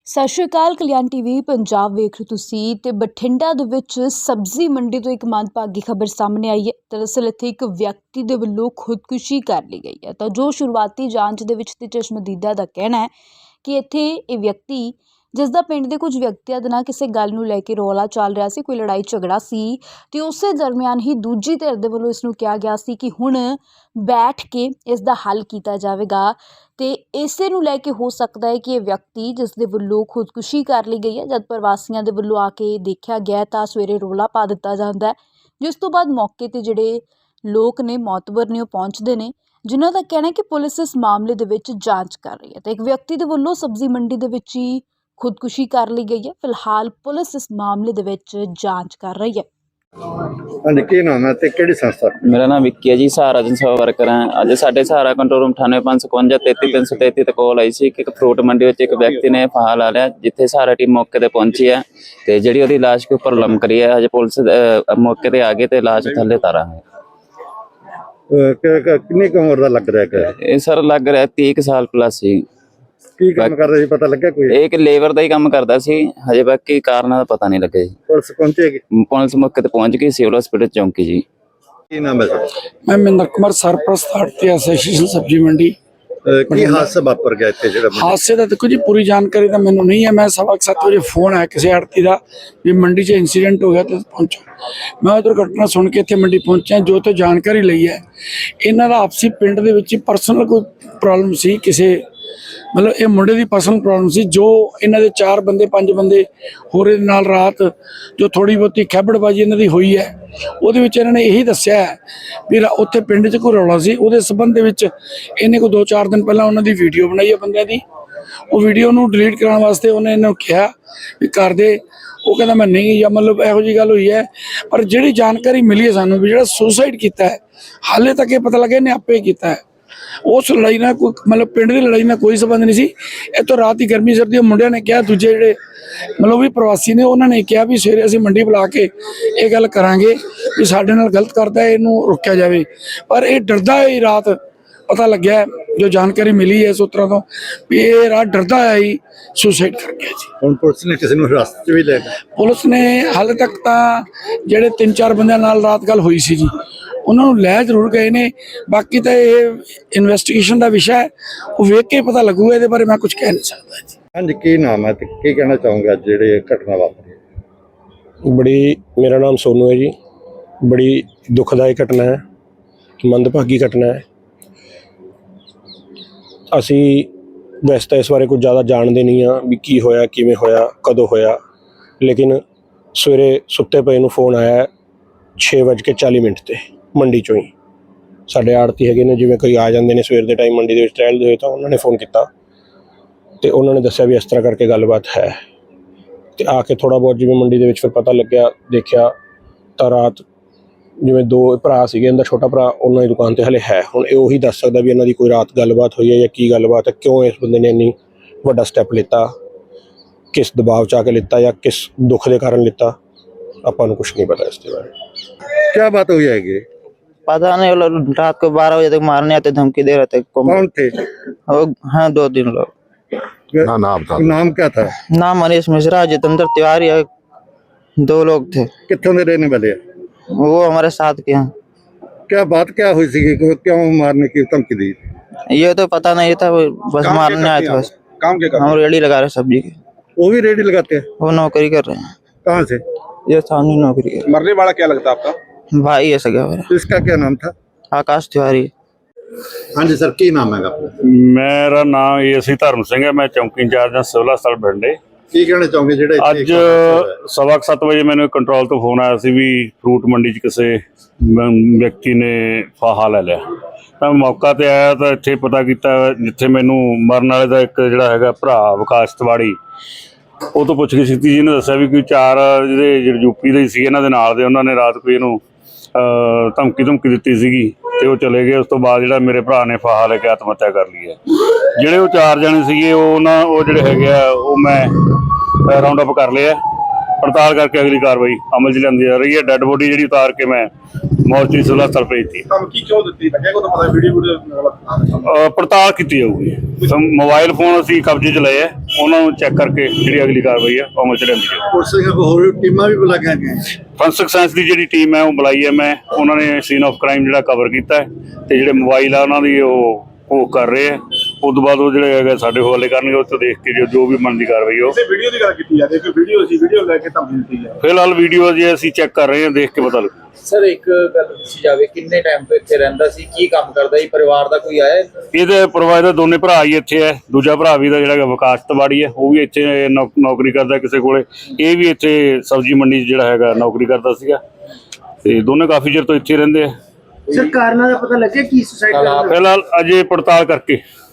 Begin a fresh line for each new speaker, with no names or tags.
ਸਤਿ ਸ਼੍ਰੀ ਅਕਾਲ। ਕਲਿਆਣ ਟੀਵੀ ਪੰਜਾਬ ਵੇਖ ਰਹੇ ਤੁਸੀਂ ਤੇ ਬਠਿੰਡਾ ਦੇ ਵਿੱਚ ਸਬਜ਼ੀ ਮੰਡੀ ਤੋਂ ਇੱਕ ਮੰਦਭਾਗੀ ਖਬਰ ਸਾਹਮਣੇ ਆਈ ਹੈ। ਦਰਅਸਲ ਇੱਥੇ ਇੱਕ ਵਿਅਕਤੀ ਦੇ ਵੱਲੋਂ ਖੁਦਕੁਸ਼ੀ ਕਰ ਲਈ ਗਈ ਹੈ। ਤਾਂ ਜੋ ਸ਼ੁਰੂਆਤੀ ਜਾਂਚ ਦੇ ਵਿੱਚ ਤੇ ਚਸ਼ਮਦੀਦਾ ਦਾ ਕਹਿਣਾ ਹੈ ਕਿ ਇੱਥੇ ਇਹ ਵਿਅਕਤੀ ਜਿਸ ਦਾ ਪਿੰਡ ਦੇ ਕੁਝ ਵਿਅਕਤੀਆਂ ਦੇ ਨਾਲ ਕਿਸੇ ਗੱਲ ਨੂੰ ਲੈ ਕੇ ਰੌਲਾ ਚੱਲ ਰਿਹਾ ਸੀ, ਕੋਈ ਲੜਾਈ ਝਗੜਾ ਸੀ ਤੇ ਉਸੇ ਦਰਮਿਆਨ ਹੀ ਦੂਜੀ ਧਿਰ ਦੇ ਵੱਲੋਂ ਇਸ ਨੂੰ ਕਿਹਾ ਗਿਆ ਸੀ ਕਿ ਹੁਣ ਬੈਠ ਕੇ ਇਸ ਦਾ ਹੱਲ ਕੀਤਾ ਜਾਵੇਗਾ। ਤੇ ਇਸੇ ਨੂੰ ਲੈ ਕੇ ਹੋ ਸਕਦਾ ਹੈ ਕਿ ਇਹ ਵਿਅਕਤੀ ਜਿਸ ਦੇ ਵੱਲੋਂ ਖੁਦਕੁਸ਼ੀ ਕਰ ਲਈ ਗਈ ਹੈ, ਜਦ ਪ੍ਰਵਾਸੀਆਂ ਦੇ ਵੱਲੋਂ ਆ ਕੇ ਦੇਖਿਆ ਗਿਆ ਤਾਂ ਸਵੇਰੇ ਰੌਲਾ ਪਾ ਦਿੱਤਾ ਜਾਂਦਾ ਹੈ, ਜਿਸ ਤੋਂ ਬਾਅਦ ਮੌਕੇ ਤੇ ਜਿਹੜੇ ਲੋਕ ਨੇ ਮੌਤਬਰ ਨੇ ਉਹ ਪਹੁੰਚਦੇ ਨੇ, ਜਿਨ੍ਹਾਂ ਦਾ ਕਹਿਣਾ ਹੈ ਕਿ ਪੁਲਿਸ ਇਸ ਮਾਮਲੇ ਦੇ ਵਿੱਚ ਜਾਂਚ ਕਰ ਰਹੀ ਹੈ। ਤੇ ਇੱਕ ਵਿਅਕਤੀ ਦੇ ਵੱਲੋਂ ਸਬਜ਼ੀ ਮੰਡੀ ਦੇ ਵਿੱਚ ਹੀ ਖੁਦਕੁਸ਼ੀ ਕਰ ਲਈ ਗਈ ਹੈ। ਫਿਲਹਾਲ ਪੁਲਿਸ ਇਸ ਮਾਮਲੇ ਦੇ ਵਿੱਚ ਜਾਂਚ ਕਰ ਰਹੀ ਹੈ।
ਹਾਂਜੀ, ਕੀ ਨਾਮ ਹੈ ਤੇ ਕਿਹੜੀ ਸੰਸਥਾ?
ਮੇਰਾ ਨਾਮ ਵਿੱਕੀ ਹੈ ਜੀ, ਸਹਾਰਾ ਜਨਸੇਵਾ ਵਰਕਰ ਹਾਂ। ਅੱਜ ਸਾਡੇ ਸਹਾਰਾ ਕੰਟਰੋਲ ਰੂਮ 9855 33333 ਤੇ ਕਾਲ ਆਈ ਸੀ ਕਿ ਇੱਕ ਫਰੂਟ ਮੰਡੀ ਵਿੱਚ ਇੱਕ ਵਿਅਕਤੀ ਨੇ ਫਾਹਾ ਲਾ ਲਿਆ, ਜਿੱਥੇ ਸਹਾਰਾ ਟੀਮ ਮੌਕੇ ਤੇ ਪਹੁੰਚੀ ਹੈ ਤੇ ਜਿਹੜੀ ਉਹਦੀ ਲਾਸ਼ ਦੇ ਉੱਪਰ ਲਮਕ ਰਹੀ ਹੈ। ਹਜੇ ਪੁਲਿਸ ਮੌਕੇ ਤੇ ਆ ਗਈ ਤੇ ਲਾਸ਼ ਥੱਲੇ ਤਾਰਾ ਹੈ।
ਕਿੰਨੀ ਕੁ ਉਮਰ ਦਾ ਲੱਗ ਰਿਹਾ ਹੈ?
ਇਹ ਸਰ ਲੱਗ ਰਿਹਾ 30 ਸਾਲ ਪਲੱਸ ਸੀ।
ਕੀ ਕੰਮ ਕਰਦਾ ਸੀ, ਪਤਾ ਲੱਗਿਆ ਕੋਈ?
ਇਹ ਇੱਕ ਲੇਬਰ ਦਾ ਹੀ ਕੰਮ ਕਰਦਾ ਸੀ। ਹਜੇ ਬਾਕੀ ਕਾਰਨਾਂ ਦਾ ਪਤਾ ਨਹੀਂ ਲੱਗਿਆ ਜੀ।
ਪੁਲਿਸ ਪਹੁੰਚੇਗੀ?
ਪੁਲਿਸ ਮੌਕੇ ਤੇ ਪਹੁੰਚ ਗਈ, ਸਿਵਲ ਹਸਪੀਟਲ ਚੌਂਕੀ ਜੀ।
ਕੀ ਨਾਮ ਹੈ ਸਰ?
मैं महेंद्र कुमार सरप्रस्त आड़ती एसोसीएशन सब्जी मंडी।
ਕੀ ਹਾਦਸਾ ਵਾਪਰ ਗਿਆ ਇੱਥੇ ਜਿਹੜਾ?
हादसे का देखो जी पूरी जानकारी तो मैंने नहीं है। मैं 7:15 बजे फोन आया किसी आड़ती का भी मंडी च इंसीडेंट हो गया तो पहुंचो। मैं दुर्घटना सुन के इतने मंडी पहुंचा, जो तो जानकारी ली है इन्हों का आपसी पिंड दे विच परसनल कोई प्रॉब्लम सी, किसी मतलब ये मुंडे की पर्सनल प्रॉब्लम सी। जो इन्हों के 4 बंदे 5 बंदे होर दे नाल रात जो थोड़ी बहुती खैबड़बाजी इन्हों की हुई है, ਉਹਦੇ ਵਿੱਚ ਇਹਨਾਂ ਨੇ ਇਹੀ ਦੱਸਿਆ ਵੀ ਉੱਥੇ ਪਿੰਡ 'ਚ ਕੋਈ ਰੌਲਾ ਸੀ। ਉਹਦੇ ਸੰਬੰਧ ਦੇ ਵਿੱਚ ਇਹਨੇ ਕੋਈ 2-4 ਦਿਨ ਪਹਿਲਾਂ ਉਹਨਾਂ ਦੀ ਵੀਡੀਓ ਬਣਾਈ ਹੈ ਬੰਦਿਆਂ ਦੀ। ਉਹ ਵੀਡੀਓ ਨੂੰ ਡਿਲੀਟ ਕਰਾਉਣ ਵਾਸਤੇ ਉਹਨੇ ਇਹਨੂੰ ਕਿਹਾ ਵੀ ਕਰ ਦੇ। ਉਹ ਕਹਿੰਦਾ ਮੈਂ ਨਹੀਂ, ਜਾਂ ਮਤਲਬ ਇਹੋ ਜਿਹੀ ਗੱਲ ਹੋਈ ਹੈ। ਪਰ ਜਿਹੜੀ ਜਾਣਕਾਰੀ ਮਿਲੀ ਹੈ ਸਾਨੂੰ ਵੀ ਜਿਹੜਾ ਸੁਸਾਈਡ ਕੀਤਾ ਹੈ, ਹਾਲੇ ਤੱਕ ਇਹ ਪਤਾ ਲੱਗਿਆ ਇਹਨੇ ਆਪੇ ਕੀਤਾ ਹੈ। ਉਸ ਲੜਾਈ ਨਾਲ ਕੋਈ ਮਤਲਬ ਪਿੰਡ ਦੀ ਲੜਾਈ ਨਾਲ ਕੋਈ ਸੰਬੰਧ ਨਹੀਂ ਸੀ। ਇਹ ਤੋਂ ਰਾਤ ਹੀ ਗਰਮੀ ਸਰਦੀ ਮੁੰਡਿਆਂ ਨੇ ਕਿਹਾ, ਦੂਜੇ ਜਿਹੜੇ ਮਤਲਬ ਵੀ ਪ੍ਰਵਾਸੀ ਨੇ ਉਹਨਾਂ ਨੇ ਕਿਹਾ ਵੀ ਸਵੇਰੇ ਅਸੀਂ ਮੰਡੀ ਬੁਲਾ ਕੇ ਇਹ ਗੱਲ ਕਰਾਂਗੇ ਵੀ ਸਾਡੇ ਨਾਲ ਗਲਤ ਕਰਦਾ, ਇਹਨੂੰ ਰੋਕਿਆ ਜਾਵੇ। ਪਰ ਇਹ ਡਰਦਾ ਹੈ। ਰਾਤ ਪਤਾ ਲੱਗਿਆ ਜੋ ਜਾਣਕਾਰੀ ਮਿਲੀ ਹੈ ਸੂਤਰਾਂ ਤੋਂ ਵੀ ਇਹ ਰਾਤ ਡਰਦਾ ਹੈ ਹੀ ਸੁਸਾਈਡ ਕਰ ਗਿਆ ਜੀ।
ਹੁਣ ਪੁਲਿਸ ਨੇ ਕਿਸੇ ਨੂੰ ਹਿਰਾਸਤ 'ਚ ਵੀ ਲੈ ਲਿਆ?
ਪੁਲਿਸ ਨੇ ਹਾਲੇ ਤੱਕ ਤਾਂ ਜਿਹੜੇ 3-4 ਬੰਦਿਆਂ ਨਾਲ ਰਾਤ ਗੱਲ ਹੋਈ ਸੀ ਜੀ, ਉਹਨਾਂ ਨੂੰ ਲੈ ਜ਼ਰੂਰ ਗਏ ਨੇ। ਬਾਕੀ ਤਾਂ ਇਹ ਇਨਵੈਸਟੀਗੇਸ਼ਨ ਦਾ ਵਿਸ਼ਾ ਹੈ, ਉਹ ਵੇਖ ਕੇ ਪਤਾ ਲੱਗੂਗਾ। ਇਹਦੇ ਬਾਰੇ ਮੈਂ ਕੁਝ ਕਹਿ ਨਹੀਂ ਸਕਦਾ ਜੀ।
ਹਾਂਜੀ, ਕੀ ਨਾਮ ਹੈ ਤੇ ਕੀ ਕਹਿਣਾ ਚਾਹੂੰਗਾ ਜਿਹੜੇ ਘਟਨਾ ਵਾਪਰੀ?
बड़ी मेरा नाम सोनू है जी। बड़ी दुखदायक घटना है, मंदभागी घटना है। असी वैसे तो इस बारे कुछ ज़्यादा जानते नहीं हाँ भी की होया, किवें होया, कदों होया, लेकिन सवेरे सुत्ते पे नूं फोन आया 6:40 ते मंडी चों ही। साडे आड़ती हैगे ने, जिवें कोई आ जाते हैं सवेर के टाइम मंडी दे विच टहलदे होए, तां उन्होंने फोन किया तो उन्होंने दस्सिया भी इस तरह करके गलबात है। तो आके थोड़ा बहुत जिवें मंडी दे विच फिर पता लग्या, देखिया तो रात जिवें 2 भरा सीगे, इनका छोटा भरा उन्होंने दुकान ते हले है। हुण इह उही दस सकदा भी इन्हां दी कोई रात गलबात हुई है या की गलबात है, क्यों इस बंदे ने इन्नी वड्डा स्टैप लिता, किस दबाव च आके लिता या किस दुख के कारण लिता, आपां नूं कुछ नहीं पता इसके बारे।
क्या बात हुई है?
पता नहीं, वो लोग रात को 12 बजे तक मारने आते, धमकी दे रहे थे।
कौन थे?
हाँ, 2-3 लोग।
नाम क्या था?
नाम मनीष मिश्रा, जितेंद्र तिवारी है। 2 लोग थे।
कितने में रहने वाले?
वो हमारे साथ के हैं।
क्या बात क्या हुई थी? क्यों मारने की धमकी दी?
ये तो पता नहीं था, वो बस मारने आए थे। बस
काम के
हम रेडी लगा रहे सब्जी की।
वो भी रेडी लगाते हैं?
वो नौकरी कर रहे हैं।
कहाँ से?
ये स्थानीय नौकरी है।
मरने वाला क्या लगता है आपका?
भाई है सगा मेरा।
इसका क्या नाम था?
आकाश तिवारी।
हाँ जी सर, की नाम है आपका?
मेरा नाम एसी धर्म सिंह है। मैं चौकी इंचार्ज हाँ सिविल हस्पताल बठिंडे।
की कहना चाहोगे ਜਿਹੜੇ
ਅੱਜ 7:15 ਵਜੇ ਮੈਨੂੰ ਕੰਟਰੋਲ ਤੋਂ ਫੋਨ ਆਇਆ ਸੀ ਵੀ ਫਰੂਟ ਮੰਡੀ 'ਚ ਕਿਸੇ ਵਿਅਕਤੀ ਨੇ ਫਾਹਾ ਲੈ ਲਿਆ। ਤਾਂ ਮੌਕਾ ਤੇ ਆਇਆ ਤਾਂ ਇੱਥੇ ਪਤਾ ਕੀਤਾ, ਜਿੱਥੇ ਮੈਨੂੰ ਮਰਨ ਵਾਲੇ ਦਾ ਇੱਕ ਜਿਹੜਾ ਹੈਗਾ ਭਰਾ ਵਿਕਾਸ ਤਿਵਾੜੀ, ਉਹ ਤੋਂ ਪੁੱਛ ਕੇ ਕੀਤੀ ਜੀ ਨੇ ਦੱਸਿਆ ਵੀ ਕੋਈ 4 ਜਿਹੜੇ ਯੂਪੀ ਦੇ ਸੀ ਇਹਨਾਂ ਦੇ ਨਾਲ ਦੇ, ਉਹਨਾਂ ਨੇ ਰਾਤ ਕੋਈ ਇਹਨੂੰ ਧਮਕੀ ਦਿੱਤੀ ਸੀਗੀ ਤੇ ਉਹ ਚਲੇ ਗਏ। ਉਸ ਤੋਂ ਬਾਅਦ ਜਿਹੜਾ ਮੇਰੇ ਭਰਾ ਨੇ ਫਾਹਾ ਲੈ ਕੇ ਆਤਮ ਹੱਤਿਆ ਕਰ ਲਈ ਹੈ। ਜਿਹੜੇ ਉਹ 4 ਜਣੇ ਸੀਗੇ ਉਹ ਜਿਹੜੇ ਹੈਗੇ ਆ ਉਹ ਮੈਂ ਰਾਉਂਡ ਅਪ ਕਰ ਲਿਆ ਪੜਤਾਲ ਕਰਕੇ ਅਗਲੀ ਕਾਰਵਾਈ ਅਮਲ 'ਚ ਲਿਆਂਦੀ ਜਾ ਰਹੀ ਹੈ। ਡੈੱਡ ਬੋਡੀ ਜਿਹੜੀ ਉਤਾਰ ਕੇ ਮੈਂ ਮੋਰਚਰੀ ਸਿਵਲ ਹਸਪਤਾਲ ਭੇਜਤੀ।
ਧਮਕੀ ਕਿਉਂ ਦਿੱਤੀ ਲੱਗਿਆ ਕੋਈ ਪਤਾ ਵੀਡੀਓ
ਪੜਤਾਲ ਕੀਤੀ ਜਾਊਗੀ। ਮੋਬਾਈਲ ਫੋਨ ਅਸੀਂ ਕਬਜ਼ੇ 'ਚ ਲਏ ਆ, ਉਹਨਾਂ ਨੂੰ ਚੈੱਕ ਕਰਕੇ ਜਿਹੜੀ ਅਗਲੀ ਕਾਰਵਾਈ ਹੈ ਅਮਲ 'ਚ ਲਿਆਂਦੀ ਜਾਊਗੀ।
ਪੁਲਿਸ ਦੀਆਂ ਹੋਰ ਟੀਮਾਂ ਵੀ ਬੁਲਾਈਆਂ ਗਈਆਂ।
ਫੋਰੈਂਸਿਕ ਸਾਇੰਸ ਦੀ ਜਿਹੜੀ ਟੀਮ ਹੈ ਉਹ ਬੁਲਾਈ ਹੈ ਮੈਂ, ਉਹਨਾਂ ਨੇ ਸੀਨ ਆਫ ਕ੍ਰਾਈਮ ਜਿਹੜਾ ਕਵਰ ਕੀਤਾ ਹੈ ਤੇ ਜਿਹੜੇ ਮੋਬਾਈਲ ਆ ਉਹਨਾਂ ਦੀ ਉਹ ਕਰ ਰਹੇ ਆ। ਉਸ ਤੋਂ ਬਾਅਦ ਉਹ ਜਿਹੜੇ ਹੈਗਾ ਸਾਡੇ ਹਵਾਲੇ ਕਰਨਗੇ, ਉੱਥੇ ਦੇਖ ਕੇ ਜੋ ਵੀ ਬਣਦੀ ਕਾਰਵਾਈ ਉਹ।
ਵੀਡੀਓ ਦੀ ਗੱਲ ਕੀਤੀ ਜਾਂਦੀ ਹੈ, ਵੀਡੀਓ ਸੀ, ਵੀਡੀਓ ਲੈ ਕੇ ਧਮਕੀ ਦਿੱਤੀ ਹੈ।
ਫਿਲਹਾਲ ਵੀਡੀਓ ਜੇ ਅਸੀਂ ਚੈੱਕ ਕਰ ਰਹੇ ਹਾਂ, ਦੇਖ ਕੇ ਪਤਾ ਲੱਗੂ।
ਸਰ ਇੱਕ ਗੱਲ ਦੱਸੀ ਜਾਵੇ, ਕਿੰਨੇ ਟਾਈਮ ਤੋਂ ਇੱਥੇ ਰਹਿੰਦਾ ਸੀ, ਕੀ ਕੰਮ ਕਰਦਾ ਸੀ, ਪਰਿਵਾਰ ਦਾ ਕੋਈ ਆਇਆ?
ਇਹਦੇ ਪਰਿਵਾਰ ਦੇ ਦੋਨੇ ਭਰਾ ਹੀ ਇੱਥੇ ਹੈ। ਦੂਜਾ ਭਰਾ ਵੀ ਦਾ ਜਿਹੜਾ ਹੈਗਾ ਵਿਕਾਸ ਤਿਵਾੜੀ ਹੈ, ਉਹ ਵੀ ਇੱਥੇ ਨੌਕਰੀ ਕਰਦਾ ਕਿਸੇ ਕੋਲੇ। ਇਹ ਵੀ ਇੱਥੇ ਸਬਜ਼ੀ ਮੰਡੀ 'ਚ ਜਿਹੜਾ ਹੈਗਾ ਨੌਕਰੀ ਕਰਦਾ ਸੀਗਾ ਤੇ ਦੋਨੇ ਕਾਫੀ ਚਿਰ ਤੋਂ ਇੱਥੇ ਰਹਿੰਦੇ ਆ।
ਸਰ ਕਾਰਨਾਂ ਦਾ ਪਤਾ ਲੱਗਿਆ ਕੀ ਸੁਸਾਈਡ
ਫਿਲਹਾਲ ਅਜੇ ਪੜਤਾਲ ਕਰਕੇ